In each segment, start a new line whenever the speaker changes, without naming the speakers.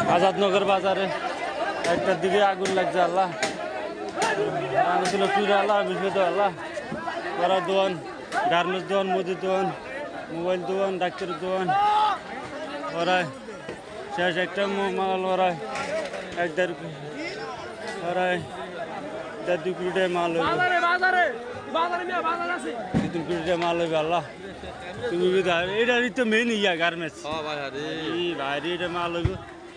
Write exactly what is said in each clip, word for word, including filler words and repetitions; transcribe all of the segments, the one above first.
আজাদনগর বাজারে একটার দিকে আগুন লাগছে আল্লাহ আগুন ছিল চুরে আল্লাহ বিস্কুট আল্লাহ ওরা দোয়ান গার্মেন্টস দোয়ান মুদির দোয়ান মোবাইল দোয়ান ডাক্তারের দোয়ান ওরাই শেষ একটা মাল ওরাই এক দেড় ওরাই দেড় দুই কোটি টাকা মাল হইবে দুই কোটি টাকা মাল হইবে আল্লাহ তুমি এটা তো মেন ইয়া গার্মেন্টস ভাই এটা মাল হইবে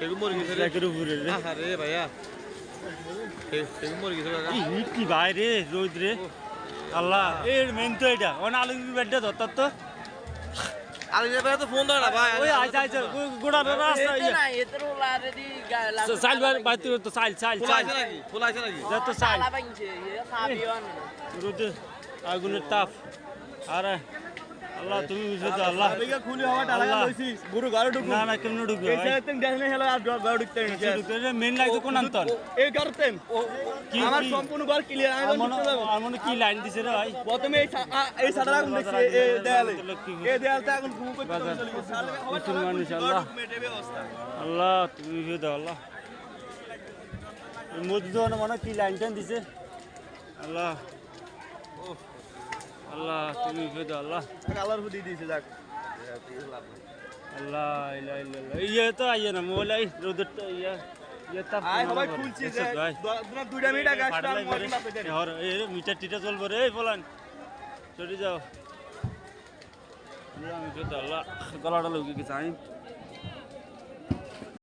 কি ভাই রে রোদ রে আল্লাহ এর মেন তো এটা অন আলু বেডটা ধরতার তো
আলু বেডটা তো ফোন ধরে না ভাই
ওই আইছে আইছে গোড়া রাস্তা ইয়া
না এতর অলরেডি
সাইল বাইতে তো সাইল সাইল সাইল
নাকি ফুল আছে নাকি
যত সাইল
সালা বানছে সাবিওন
রোদ আগুনের তাপ আরে আল্লাহ তুমি বুঝছো তো আল্লাহ
আবেগা খুলি হওয়া টালা লইছি গুরু ঘরে ঢুকু
না না কেমনে ঢুকবে
এই সাইড থেকে দেখলে হেলা আর ঘরে ঢুকতে
ঢুকবে মেন লাইন তো কোন আন্তর
এই করতেন
কি
আমার সম্পূর্ণ ঘর ক্লিয়ার আমি ঢুকতে যাব
আর মনে কি লাইন দিছে রে ভাই
প্রথমে এই এই সাদা আগুন দেখছি এই দেয়ালে এই দেয়ালটা আগুন ঘুম করতে চলে
মানুষ আল্লাহ আল্লাহ তুমি বুঝে দাও আল্লাহ মসজিদ মনে কি লাইন টাইন দিছে আল্লাহ আল্লাহ তুমি বুঝে দাও আল্লাহ
কালার হুদি দিয়েছে যাক
আল্লাহ ইলা ইলা ইয়া তো আইয়া না মোলাই রোদটা ইয়া ইয়া তাপ
আই সবাই খুলছি যে দুইটা মিটার গাছটা মরি মাপে দেন
হর এই মিটার টিটা চলবো রে বলান চলে যাও আল্লাহ আমি তো আল্লাহ গলাটা লুকিয়ে গেছে আমি